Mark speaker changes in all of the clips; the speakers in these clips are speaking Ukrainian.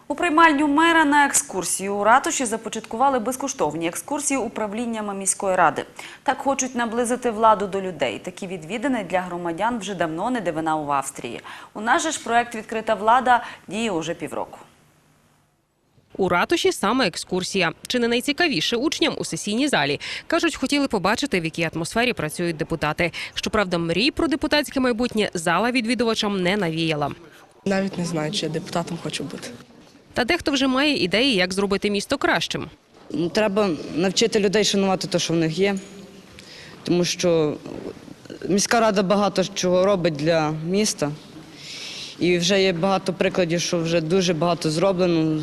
Speaker 1: У приймальню мера на екскурсію у ратуші започаткували безкоштовні екскурсії управліннями міської ради. Так хочуть наблизити владу до людей. Такі відвідини для громадян вже давно не дивина в Австрії. У нас же ж проект «Відкрита влада» діє уже півроку.
Speaker 2: У ратуші саме екскурсія. Чи не найцікавіше учням у сесійній залі? Кажуть, хотіли побачити, в якій атмосфері працюють депутати. Щоправда, мрій про депутатське майбутнє зала відвідувачам не навіяла.
Speaker 3: Навіть не знаю, чи я депутатом хочу бути.
Speaker 2: Та дехто вже має ідеї, як зробити місто кращим.
Speaker 4: Треба навчити людей шанувати те, що в них є. Тому що міська рада багато чого робить для міста. І вже є багато прикладів, що вже дуже багато зроблено.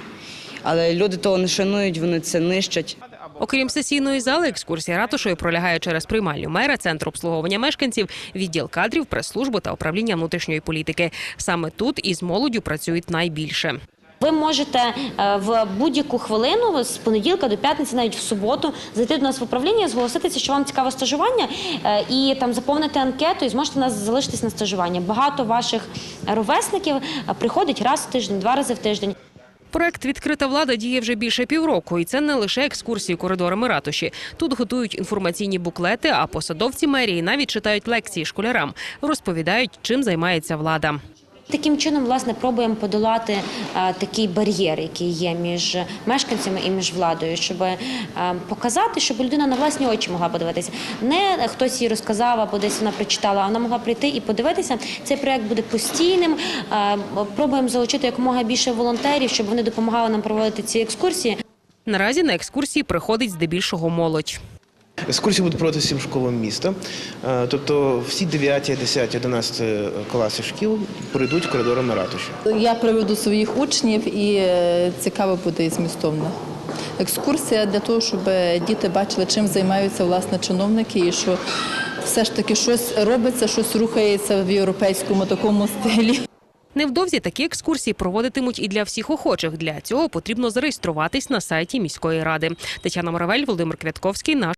Speaker 4: Але люди того не шанують, вони це нищать.
Speaker 2: Окрім сесійної зали, екскурсія ратушою пролягає через приймальню мера, центр обслуговування мешканців, відділ кадрів, прес-службу та управління внутрішньої політики. Саме тут із молоддю працюють найбільше.
Speaker 5: Ви можете в будь-яку хвилину, з понеділка до п'ятниці, навіть в суботу, зайти до нас в управління, зголоситися, що вам цікаве стажування, і там заповнити анкету, і зможете нас залишитись на стажування. Багато ваших ровесників приходять раз в тиждень, 2 рази в тиждень.
Speaker 2: Проект «Відкрита влада» діє вже більше півроку. І це не лише екскурсії коридорами ратуші. Тут готують інформаційні буклети, а посадовці мерії навіть читають лекції школярам. Розповідають, чим займається влада.
Speaker 5: Таким чином, власне, пробуємо подолати такий бар'єр, який є між мешканцями і між владою, щоб показати, щоб людина на власні очі могла подивитися. Не хтось їй розказав або десь вона прочитала, а вона могла прийти і подивитися. Цей проєкт буде постійним. Пробуємо залучити якомога більше волонтерів, щоб вони допомагали нам проводити ці екскурсії.
Speaker 2: Наразі на екскурсії приходить здебільшого молодь.
Speaker 6: Екскурсії будуть проводити всім школам міста, тобто всі 9, 10, 11 класи шкіл пройдуть коридорами ратуші.
Speaker 7: Я приведу своїх учнів і цікаво буде і змістовно. Екскурсія для того, щоб діти бачили, чим займаються власне чиновники і що все ж таки щось робиться, щось рухається в європейському такому стилі.
Speaker 2: Невдовзі такі екскурсії проводитимуть і для всіх охочих. Для цього потрібно зареєструватись на сайті міської ради. Тетяна Моравель, Володимир Квятковський, наш